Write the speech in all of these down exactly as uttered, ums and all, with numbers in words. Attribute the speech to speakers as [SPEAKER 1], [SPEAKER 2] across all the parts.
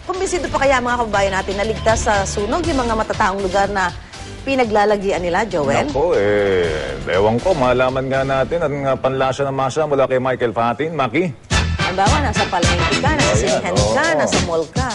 [SPEAKER 1] Kumbinsido pa kaya mga kababayan natin na ligtas sa sunog yung mga matataong lugar na pinaglalagian nila, Joel?
[SPEAKER 2] Nako, eh, ewan ko, malaman nga natin at nga panlasa ng masa mula kay Michael Fatin. Maki?
[SPEAKER 1] Halimbawa, nasa palengke ka, nasa
[SPEAKER 2] Oh,
[SPEAKER 1] sinihan
[SPEAKER 2] yan,
[SPEAKER 1] ka,
[SPEAKER 2] oo.
[SPEAKER 1] nasa mall ka.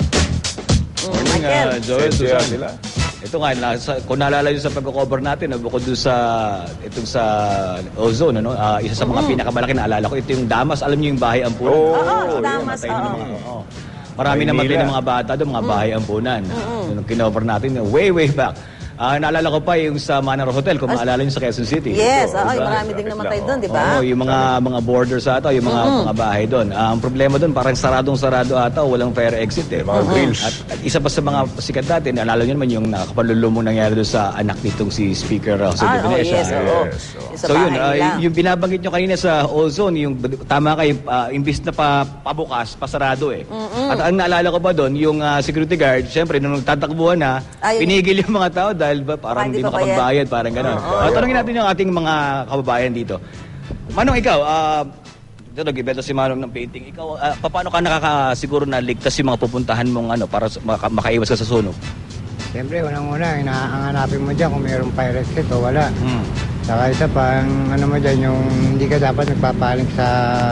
[SPEAKER 1] Mm, Michael.
[SPEAKER 3] Uh, Joel,
[SPEAKER 2] Sensya
[SPEAKER 3] Susan.
[SPEAKER 2] sila.
[SPEAKER 3] Ito nga, nasa, kung naalala nyo sa pagko-cover natin, bukod doon sa, itong sa ozone, ano, ah, isa sa mga pinakamalaki na alala ko, ito yung Damas, alam nyo yung bahay ampunan.
[SPEAKER 2] Oo,
[SPEAKER 1] Oo,
[SPEAKER 2] yun,
[SPEAKER 1] Damas,
[SPEAKER 3] Matay na
[SPEAKER 1] oo.
[SPEAKER 3] mga, oo. Marami
[SPEAKER 2] Maynila.
[SPEAKER 3] namatay ng mga bata doon, mga bahay ampunan. Nung kinover natin, way, way back. Ah, naalala ko pa yung sa Manor Hotel, kung maalala nyo sa Quezon City.
[SPEAKER 1] Yes,
[SPEAKER 3] Ito,
[SPEAKER 1] oo,
[SPEAKER 3] diba?
[SPEAKER 1] marami ding namatay
[SPEAKER 2] lang,
[SPEAKER 1] doon, di ba?
[SPEAKER 3] Oo, yung mga mga borders ata, yung mga mga bahay doon. Ah, ang problema doon, parang saradong-sarado ata, walang fire exit eh.
[SPEAKER 2] Mga grills.
[SPEAKER 3] At, at isa pa sa mga sikat natin, naalala nyo naman yung nakapalulumong nangyari doon sa anak nitong si Speaker uh, Jose
[SPEAKER 1] Ah,
[SPEAKER 3] de
[SPEAKER 1] oh,
[SPEAKER 3] Venecia.
[SPEAKER 1] yes, oo.
[SPEAKER 2] Yes, oo.
[SPEAKER 1] Yung sa
[SPEAKER 3] So yun,
[SPEAKER 1] bahay
[SPEAKER 3] ah,
[SPEAKER 1] nila.
[SPEAKER 3] yung binabanggit nyo kanina sa ozone, yung tama kayo, uh, imbis na pa, pabukas, pasarado eh. At ang naalala ko pa doon, yung ah, security guard, syempre, nung tatakbuhan na,
[SPEAKER 1] Ah, yun.
[SPEAKER 3] pinigil yung mga tao dahil ba,
[SPEAKER 1] Baka
[SPEAKER 3] parang hindi
[SPEAKER 1] hindi pa
[SPEAKER 3] makapagbayad, parang gano'n. Ah, tanungin natin yung ating mga kababayan dito. Manong, ikaw, ah, ito nag-ibenta si Manong ng painting. Ikaw, ah, paano ka nakakasiguro na ligtas yung mga pupuntahan mong ano, para sa- maka- makaiwas ka sa sunog?
[SPEAKER 4] Siyempre, unang-una, inaanganapin mo dyan kung mayroong fire exit o wala.
[SPEAKER 3] Hmm.
[SPEAKER 4] Saka isa pa, ang ano mo dyan, yung hindi ka dapat nagpapaling sa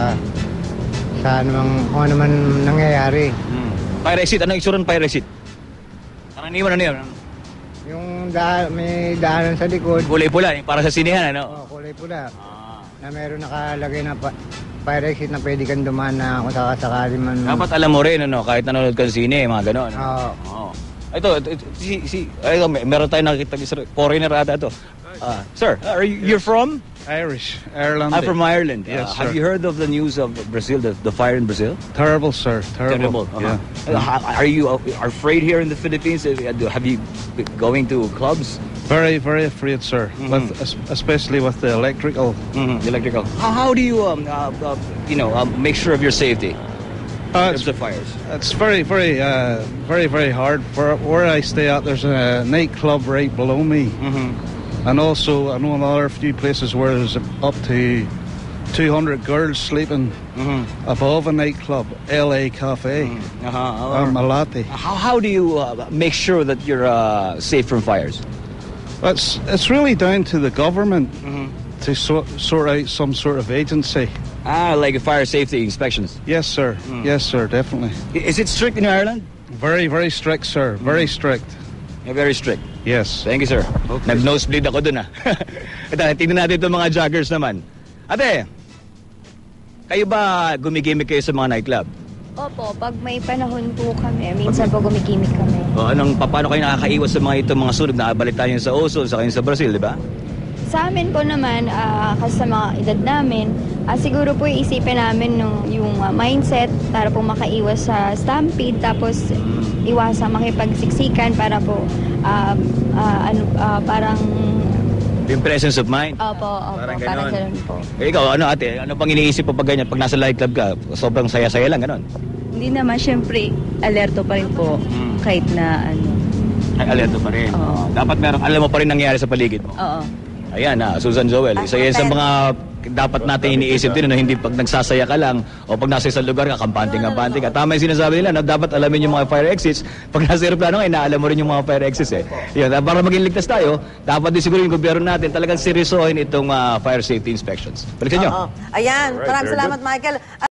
[SPEAKER 4] sa anumang, kung ano man nangyayari.
[SPEAKER 3] Hmm. Fire exit, anong itsura ng fire exit? Karaniwan, ano yun?
[SPEAKER 4] Yung da, may daanan sa likod,
[SPEAKER 3] Kulay pula, yung para sa sinihan, ano?
[SPEAKER 4] oh, kulay pula, na mayroon nakalagay na pa, fire exit na pwede kang dumaan na kung sakasakali man.
[SPEAKER 3] Dapat alam mo rin, ano, kahit nanonood ka ng sine, mga gano'n.
[SPEAKER 4] Oo.
[SPEAKER 3] Oo. Ito, ito, ito, si, si, ito, may, meron tayong nakikita, foreigner ata ito. Ah, sir, are you, you're from?
[SPEAKER 5] Irish, Ireland.
[SPEAKER 3] I'm from Ireland.
[SPEAKER 5] Yes,
[SPEAKER 3] Uh, have
[SPEAKER 5] sir.
[SPEAKER 3] you heard of the news of Brazil, the, the fire in Brazil?
[SPEAKER 5] Terrible, sir. Terrible.
[SPEAKER 3] Uh-huh.
[SPEAKER 5] Yeah.
[SPEAKER 3] Uh, how- are you uh, afraid here in the Philippines? Uh, Have you been going to clubs?
[SPEAKER 5] Very, very afraid, sir.
[SPEAKER 3] Mhm.
[SPEAKER 5] With, es- especially with the electrical.
[SPEAKER 3] Mm-hmm. Electrical. How, how do you, um, uh, uh, you know, um, make sure of your safety
[SPEAKER 5] Uh,
[SPEAKER 3] in
[SPEAKER 5] it's,
[SPEAKER 3] terms of fires?
[SPEAKER 5] it's very, very, uh, very, very hard. For where I stay at, there's a nightclub right below me,
[SPEAKER 3] Mm-hmm.
[SPEAKER 5] and also I know another few places where there's up to two hundred girls sleeping
[SPEAKER 3] Mm-hmm.
[SPEAKER 5] above a nightclub, L A Cafe,
[SPEAKER 3] Uh-huh.
[SPEAKER 5] um, Malate.
[SPEAKER 3] How, how do you uh, make sure that you're uh, safe from fires?
[SPEAKER 5] It's it's really down to the government
[SPEAKER 3] Mm-hmm.
[SPEAKER 5] to sort sort out some sort of agency.
[SPEAKER 3] Ah, like fire safety inspections.
[SPEAKER 5] Yes, sir.
[SPEAKER 3] Mm.
[SPEAKER 5] Yes, sir. Definitely.
[SPEAKER 3] I- Is it strict in Ireland?
[SPEAKER 5] Very, very strict, sir. Very strict.
[SPEAKER 3] Yeah, very strict.
[SPEAKER 5] Yes.
[SPEAKER 3] Thank you, sir. Nag-nosebleed ako dun, ah. Ito, tingnan natin itong mga joggers naman. Ate, kayo ba gumigimik kayo sa mga nightclub?
[SPEAKER 6] Opo, pag may panahon po kami, minsan po gumigimik kami.
[SPEAKER 3] O anong, pa- paano kayo nakakaiwas sa mga itong mga sunog? Nakabalita yun sa ozone, sa kayo sa Brazil, di ba?
[SPEAKER 6] Sa amin po naman, ah, kasi sa mga edad namin, ah, siguro po iisipin namin nung, yung ah, mindset para po makaiwas sa stampede, tapos iwasang makipagsiksikan para po ah, ah, ano, ah, parang
[SPEAKER 3] Yung presence of mind.
[SPEAKER 6] opo, opo,
[SPEAKER 3] Parang
[SPEAKER 6] parang,
[SPEAKER 3] ganon.
[SPEAKER 6] ganun po.
[SPEAKER 3] Eh, ikaw, ano ate, ano pang iniisip mo pag ganyan? Pag nasa nightclub ka, sobrang saya-saya lang, ganon?
[SPEAKER 7] Hindi naman, syempre, alerto pa rin po
[SPEAKER 3] Mm.
[SPEAKER 7] kahit na ano.
[SPEAKER 3] Ay, alerto pa rin.
[SPEAKER 7] Oo.
[SPEAKER 3] Dapat meron, alam mo pa rin nangyari sa paligid mo.
[SPEAKER 7] Oo.
[SPEAKER 3] Ayan na, Susan Joel. Isa yan sa mga dapat natin iniisip din, no? Hindi pag nagsasaya ka lang o pag nasa isang lugar ka, kampanting-kampanting ka. Tama yung sinasabi nila, no? Dapat alamin yung mga fire exits. Pag nasa aeroplano ka, inaalam mo rin yung mga fire exits eh. Yun, para maging ligtas tayo, dapat din siguro yung gobyerno natin talagang seryosohin itong ah, fire safety inspections. Balikan nyo.
[SPEAKER 1] Oo. Ayan,
[SPEAKER 2] Alright,
[SPEAKER 1] maraming
[SPEAKER 2] very
[SPEAKER 1] salamat, Michael.